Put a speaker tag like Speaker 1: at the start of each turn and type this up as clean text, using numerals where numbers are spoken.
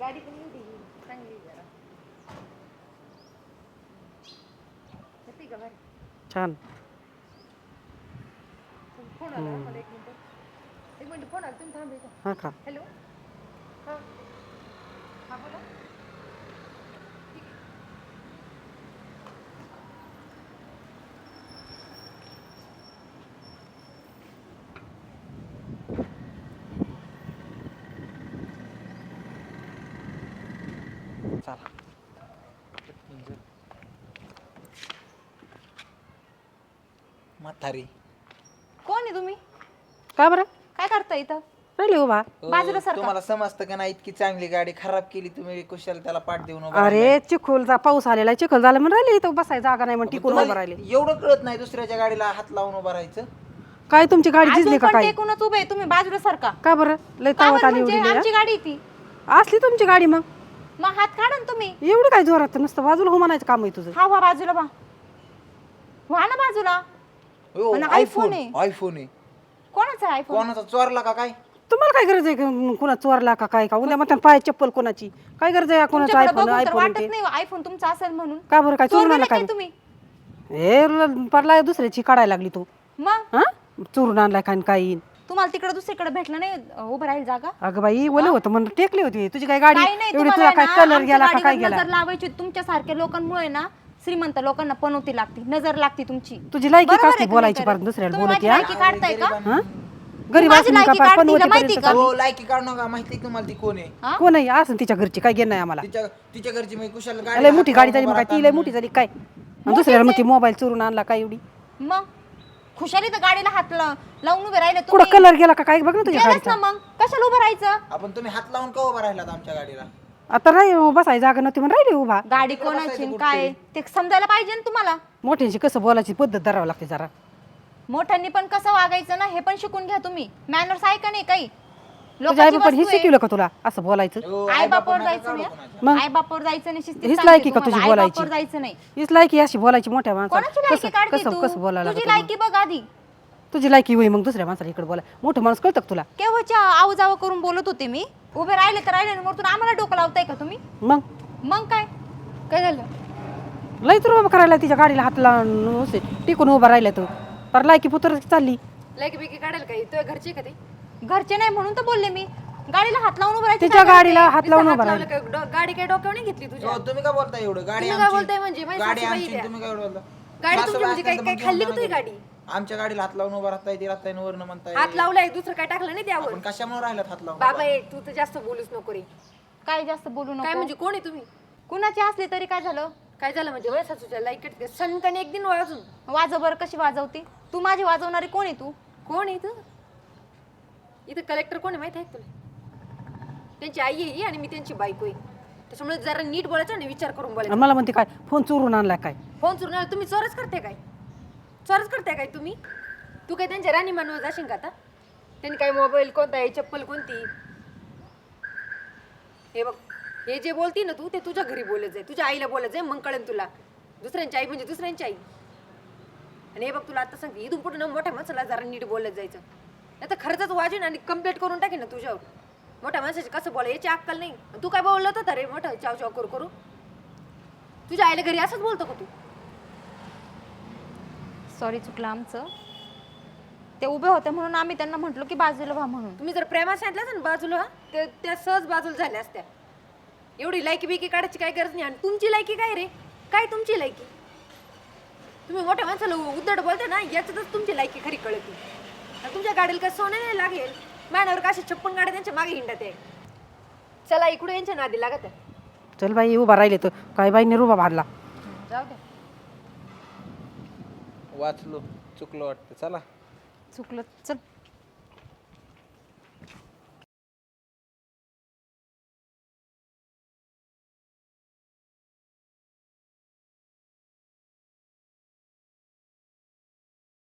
Speaker 1: गाडी पण एवढी चांगली जरा येते का भारी
Speaker 2: छान.
Speaker 1: फोन आला मला एक मिनिट फोन आला तुम्ही थांबे का
Speaker 2: हा का?
Speaker 1: हॅलो हां हां बोला
Speaker 3: चला म्हातारी
Speaker 1: कोण आहे तुम्ही
Speaker 2: का बरं
Speaker 1: काय करता इथं
Speaker 2: राहिली उभा?
Speaker 1: बाजूला सारखा
Speaker 3: तुम्हाला समजतं का नाही इतकी चांगली गाडी खराब केली तुम्ही कुशाल त्याला पाठ देऊन उभा
Speaker 2: अरे चिखलचा पाऊस आलेला आहे, चिखल झाला म्हणून राहिली इथं बसायची जागा नाही म्हणून
Speaker 3: राहिला.
Speaker 2: टिकून
Speaker 3: तुम्हाला
Speaker 2: उभं राहिले.
Speaker 3: एवढं कळत नाही दुसऱ्याच्या गाडीला हात लावून उभं राहायचं.
Speaker 2: काय तुमची गाडी
Speaker 1: अजून
Speaker 2: झिजली का
Speaker 1: पण
Speaker 2: काय?
Speaker 1: टेकूनच उभे आहे तुम्ही बाजूला सारखा
Speaker 2: का बरं लय
Speaker 1: का
Speaker 2: तावत
Speaker 1: बरं
Speaker 2: आली
Speaker 1: म्हणजे?
Speaker 2: एवढी
Speaker 1: आमची
Speaker 2: लय?
Speaker 1: गाडी आहे ती
Speaker 2: असली तुमची गाडी मग
Speaker 1: मग हात काढा ना तुम्ही
Speaker 2: एवढी काय जोरात नुसतं बाजूला हो म्हणायचं काम आहे तुझं.
Speaker 1: हा वा बाजूला व्हा ना बाजूला
Speaker 3: हो,
Speaker 1: आणि
Speaker 3: आयफोन
Speaker 1: आहे.
Speaker 3: आयफोन आहे.
Speaker 1: कोणाचा आयफोन
Speaker 3: कोणाचा चोरला का काय?
Speaker 2: तुम्हाला काय गरज आहे कुणा चोरला का काय का उद्या म्हणतात पाय चप्पल कोणाची काय गरज आहे कोणाचं आयफोन आयफोन
Speaker 1: वाटत
Speaker 2: ते
Speaker 1: नाही आयफोन तुमचा असेल म्हणून
Speaker 2: का बरं काय चोरून
Speaker 1: चोरलेलं
Speaker 2: आणला काय?
Speaker 1: तुम्ही
Speaker 2: हे परला दुसऱ्याची काढायला लागली तू
Speaker 1: मग
Speaker 2: हा चोरून आणलाय काय काही
Speaker 1: तुम्हाला तिकडे दुसरीकडे भेटलं नाही उभं राहील जागा
Speaker 2: अगं बाई ओले होतं म्हणून टेकली होती तुझी काय गाडी
Speaker 1: काही नाही
Speaker 2: एवढी
Speaker 1: तुम्हाला
Speaker 2: तुला
Speaker 1: आहे
Speaker 2: काय
Speaker 1: ना,
Speaker 2: कलर
Speaker 1: आमच्या
Speaker 2: गेला का काय
Speaker 1: गाडीवर
Speaker 2: गेला
Speaker 1: नजर लावायची तुमच्या सारख्या लोकांमुळे ना श्रीमंत लोकांना पनवती लागते नजर लागते तुमची
Speaker 2: तुझी लायकी
Speaker 1: बरोबर
Speaker 2: का
Speaker 1: आहे
Speaker 2: असते
Speaker 1: का
Speaker 2: बोलायची
Speaker 1: नाही
Speaker 2: परत दुसऱ्याला
Speaker 1: तुम्ही
Speaker 2: बोलत
Speaker 1: माझी
Speaker 2: या
Speaker 1: लायकी काढताय का
Speaker 2: हा गरीब
Speaker 1: माझी
Speaker 2: असून का
Speaker 1: लायकी
Speaker 2: पाय
Speaker 1: काढते,
Speaker 2: पनवती
Speaker 1: हिला माहिती
Speaker 2: पर्यंत
Speaker 1: का?
Speaker 3: हो लायकी काढू नका माहिती तुम्हाला ती कोण आहे.
Speaker 1: हा?
Speaker 2: कोण आहे असं तिच्या घरची काय घेणं आहे आम्हाला
Speaker 3: तिच्या घरची मी कुशाल
Speaker 2: लय
Speaker 3: गाडी
Speaker 2: मोठी गाडी झाली मग काय ती लय मोठी झाली काय आणि दुसऱ्याला मग ती मोबाईल चोरून आणला काय एवढी
Speaker 1: मग खुशाली तर गाडीला हात लावून उभे राहिले
Speaker 2: कुठं कलर गेला का काय बघ ना तुझ्या
Speaker 1: गेलंच
Speaker 2: गाडीचा
Speaker 1: ना मग कशाला उभं राहायचं
Speaker 3: आपण तुम्ही हात लावून का उभा राहिलात आमच्या गाडीला?
Speaker 2: आता राही बसायची जागा नव्हती म्हणून राहिली उभा
Speaker 1: गाडी कोणाची आणि काय ते समजायला पाहिजे ना तुम्हाला
Speaker 2: मोठ्यांची कसं बोलायची पद्धत धरावं लागते जरा
Speaker 1: मोठ्यांनी पण कसं वागायचं ना हे पण शिकून घ्या तुम्ही मॅनर्स आहे का नाही काही
Speaker 2: तुझ्या आई
Speaker 1: लोकांची
Speaker 2: बापाने हे
Speaker 1: वस्तू आहे.
Speaker 2: शिकवलं का तुला असं बोलायचं
Speaker 3: हो,
Speaker 1: आई बापावर जायचं
Speaker 3: काढू
Speaker 1: नाही
Speaker 2: मग?
Speaker 1: आई बापावर जायचं नाही शिस्तीत
Speaker 2: हीच
Speaker 1: सांगते
Speaker 2: लायकी का
Speaker 1: तुम्हाला.
Speaker 2: तुझी
Speaker 1: आई
Speaker 2: बोलायची?
Speaker 1: बापावर जायचं नाही
Speaker 2: हीच लायकी अशी बोलायची मोठ्या
Speaker 1: कोणाची
Speaker 2: माणसाला
Speaker 1: लायकी काढते
Speaker 2: कसं
Speaker 1: तू
Speaker 2: कसं बोलायला
Speaker 1: तुझी
Speaker 2: लागतं
Speaker 1: लायकी बघ आधी
Speaker 2: मग? तुझी लायकी होई मग दुसऱ्या माणसाला इकडे बोला मोठं माणूस कळतं का तुला
Speaker 1: केव्हाच्या आवाजावं करून बोलत होते मी उभे राहिले तर राहिले वरतून आम्हाला डोकं लावताय का तुम्ही
Speaker 2: मग
Speaker 1: मग काय काय झालं
Speaker 2: लय तर उभं करायला तिच्या गाडीला हात लावून टिकून उभा राहिला तू पर लायकी पुत्र चालली
Speaker 4: लायकी बिकी काढेल काही तुझ्या घरचे का ते
Speaker 1: घरचे नाही म्हणून तर बोलले मी गाडीला हात लावून उभं राहायचं
Speaker 2: तिच्या
Speaker 1: काय
Speaker 2: गाडीला हात लावून
Speaker 4: हात
Speaker 2: उभा
Speaker 4: लावलं
Speaker 2: राहिला
Speaker 4: काय गाडी काय डोक्यावर नाही घेतली तुझ्या
Speaker 3: हो, तुम्ही काय बोलताय एवढं? गाडी
Speaker 4: तुम्ही काय
Speaker 3: आमची.
Speaker 4: बोलताय म्हणजे? माझी
Speaker 3: गाडी
Speaker 4: सासूबाई
Speaker 3: आमची
Speaker 4: द्या.
Speaker 3: तुम्ही काय बोलता?
Speaker 4: गाडी तुमची
Speaker 3: सासूबाई
Speaker 4: म्हणजे काय
Speaker 3: असतील
Speaker 4: काय
Speaker 3: तर
Speaker 4: खाल्ली
Speaker 3: मग
Speaker 4: का तुझी
Speaker 3: घेऊन
Speaker 4: गाडी
Speaker 3: जाणार. आमच्या गाडीला हात लावून उभा राहताय ती राहताय वरनं म्हणताय
Speaker 4: हात लावलाय दुसरं काय टाकलं नाही त्यावर
Speaker 3: आपण कशामुळे राहिलात हात लावून
Speaker 4: बाबा ए, तू तर जास्त बोलूच नको रे
Speaker 1: काय जास्त बोलू
Speaker 4: काय
Speaker 1: नको
Speaker 4: म्हणजे कोण आहे तुम्ही
Speaker 1: कुणाची असली तरी काय झालं
Speaker 4: काय झालं म्हणजे वय सासूच्या लायकीत सनकन एक दिन वाजून
Speaker 1: वाजव बरं कशी वाजवते तू माझी वाजवणारी कोण आहे तू
Speaker 4: कोण आहे इथं इथं कलेक्टर कोण आहे माहिती आहे का तुला त्यांची आई आहे ही आणि मी त्यांची बायको आहे त्याच्यामुळे जरा नीट बोलायचं आणि विचार करून
Speaker 2: आणि
Speaker 4: बोलायचं
Speaker 2: मला म्हणते काय फोन चोरून आणला काय
Speaker 4: फोन चोरून आला तुम्ही चोरच करते काय चोरच करते काय तुम्ही तू काय त्यांच्या राणी मानव जाशील का आता त्यांनी काय मोबाईल कोणता आहे चप्पल कोणती हे बघ हे जे बोलती ना तू ते तुझ्या घरी बोलत जाय तुझ्या आईला बोलत जाय मग कळेल तुला दुसऱ्यांची आई म्हणजे दुसऱ्यांची आई आणि हे बघ तुला आता सांगते इथून पुढे ना मोठ्या माणसाला जरा नीट बोलत जायचं नाही तर खर्चच वाजेन आणि कंप्लेंट करून टाकेन ना तुझ्यावर मोठ्या माणसाची कसं बोला याची अक्कल नाही तू काय बोललं होतं रे मोठं चाव चाव करू तुझ्या आईला घरी असंच बोलतो का तू
Speaker 1: सॉरी चुकलं आमचं ते उभे होते म्हणून आम्ही त्यांना म्हटलो की बाजूला व्हा म्हणून
Speaker 4: तुम्ही जर प्रेमात सांगितलं ना बाजूला ते त्या सहज बाजूला झाल्या असत्या एवढी लायकी बिकी काढायची काय गरज नाही आणि तुमची लायकी काय रे काय तुमची लायकी तुम्ही मोठ्या माणसाला उद्धट बोलते ना याच्यातच तुमची लायकी खरी कळते आणि तुमच्या गाडीला काय सोने नाही लागेल मॅनावर का अशी 56 गाड्या त्यांच्या मागे हिंडत आहे चला इकडे यांच्या नादी लागत आहे
Speaker 2: चल बाई उभा राहिले तर काय बाईने उभा भाडला
Speaker 1: जाऊ दे
Speaker 3: वाचलो चुकलो वाटतं चला
Speaker 1: चुकलं चल